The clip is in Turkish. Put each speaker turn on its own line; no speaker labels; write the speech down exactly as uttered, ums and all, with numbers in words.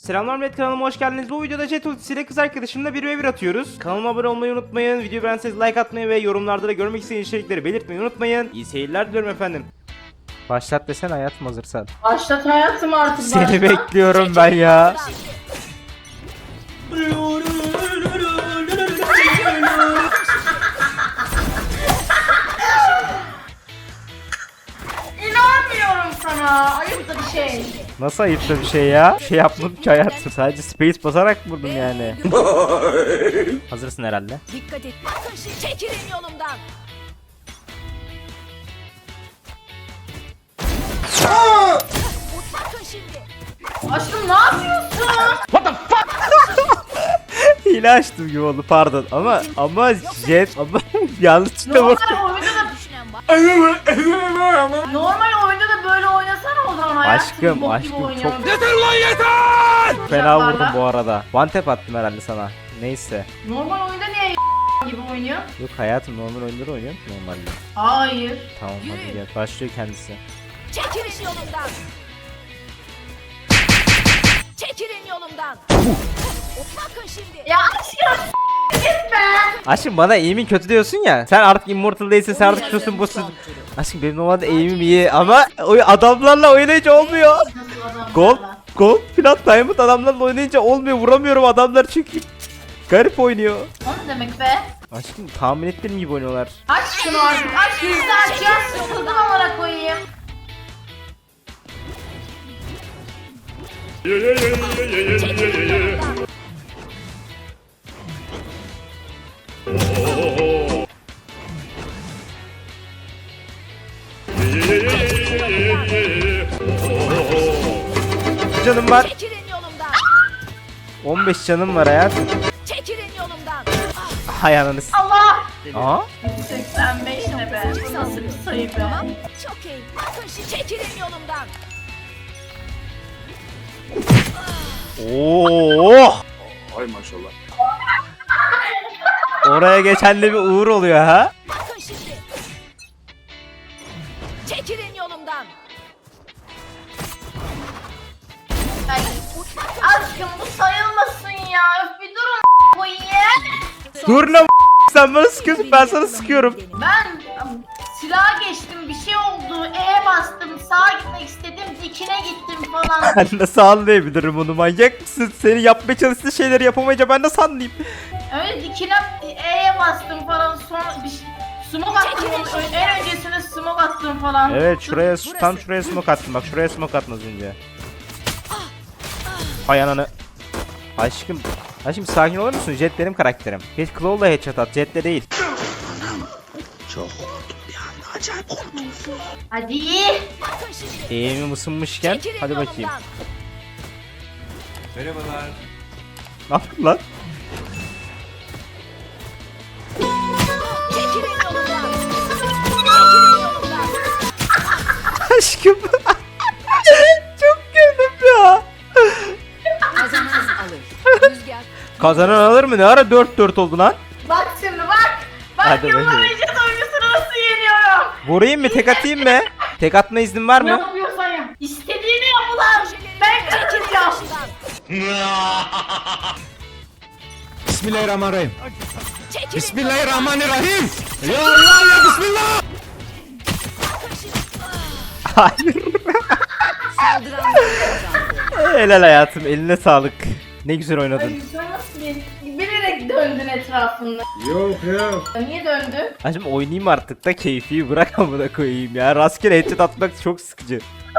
Selamlar millet, kanalıma hoş geldiniz. Bu videoda Jet ultisiyle kız arkadaşımla bir ve bir atıyoruz. Kanalıma abone olmayı unutmayın. Videoyu beğenseniz like atmayı ve yorumlarda da görmek istediğiniz içerikleri belirtmeyi unutmayın. İyi seyirler diliyorum efendim. Başlat desen hayatım, hazırsan.
Başlat hayatım artık.
Seni
başlat.
bekliyorum ben ya.
İnanmıyorum sana. Ayıp da bir şey.
Nasıl ayıpta bir şey ya? Bir şey yapmadım ki hayatım. Sadece space basarak vurdum yani. Hazırsın herhalde.
Dikkat et. Bakın şimdi çekilin yolumdan. Bakın şimdi.
Aşkım ne yapıyorsun?
Hile açtım gibi oldu, pardon. Ama ama Jet ama yanlışlıkla bak.
Normal oyunda da
Düşünen var.
normal oyunda da böyle oynasana o zaman hayatım.
Aşkım,
Bok gibi
aşkım,
oynuyorum.
çok-
Yeter lan yeter.
Fena vurdum bu arada. One tap attım herhalde sana. Neyse.
Normal oyunda niye gibi oynuyor?
Yok hayatım, normal oyunları oynuyorum ki normalde.
Hayır.
Tamam hadi
Yürü.
gel. Başlıyor kendisi.
Çekilin yolumdan. Çekilin yolumdan. Bakın şimdi.
Ya aşkım gitme.
Aşkım bana aim'in kötü diyorsun ya. Sen artık immortal değilsin, sen artık şusun busun. Aşkım benim normalde aim'im iyi ama o adamlarla oynayınca olmuyor.
Nasıl adamlar
Gold,
var?
gold, plat, diamond adamlarla oynayınca olmuyor. Vuramıyorum adamlar çünkü garip oynuyor.
O ne demek be?
Aşkım tahmin ettiğim gibi oynuyorlar.
Aç şunu artık. Aç şunu aç ya. Sıkıldım amına koyayım.
Çekilin yolumdan.
Canım var.
Çekilin yolumdan.
on beş canım var hayatım.
Çekilin yolumdan. Ah,
Hay ananı s-
Allah.
Aa?
seksen beş ne be? Bu nasıl bir sayı be?
tamam. Çok iyi. Bakın şimdi çekilin yolumdan.
Oo!
Ay maşallah.
Oraya geçen de bir uğur oluyor ha.
Bakın şimdi. Çekilin yolumdan.
Ay, aşkım bu sayılmasın ya. Öf bir durun koyayım.
Dur lan sen bana sıkıyorsun, ben sana sıkıyorum.
Ben silaha geçtim bir şey oldu. E bastım sağa gitmek istedim dikine gittim falan.
Ben nasıl anlayabilirim onu, manyak mısın? Seni yapmaya çalıştığı şeyleri yapamayınca ben nasıl anlayayım?
Öyle dikine E'ye bastım falan sonra bir şey, smoke attım onun ön- en öncesine smoke attım falan.
Evet şuraya, tam şuraya smoke attım, bak şuraya smoke attın az önce. Hay ananı. Aşkım, aşkım sakin olur musun? Jet benim karakterim. Geç Claw'la headshot at, Jet'le değil.
Hadi.
Bakın şimdi.
Eğimim ısınmışken,
Çekilin
hadi bakayım.
yolumdan.
Merhabalar.
Ne yaptın lan?
Çekilin yolumdan. Çekilin yolumdan.
Aşkım. Çok güldüm ya.
Kazanan alır. Rüzgar.
Kazanan alır mı? Ne ara dört dört oldu lan?
Bak şimdi bak. Bak
Hadi
yıllar
bakayım.
önce duygusunu nasıl yeniyorum.
Vurayım mı? Tek atayım mı? Tek atma iznin var
Ne
mı?
yapıyorsan yap. İstediğini yap ulan. Ben kazanacağım.
Bismillahirrahmanirrahim.
Çekilin
Bismillahirrahmanirrahim. Ya Allah ya Bismillah.
Hayır.
Saldıran kazandı.
Helal hayatım, eline sağlık. Ne güzel oynadın.
Ay sen nasıl bir- bilerek döndün etrafında.
Yok yok.
Niye döndün?
Hacım oynayayım artık da keyfi bırak amına koyayım ya. Rastgele headshot atmak çok sıkıcı.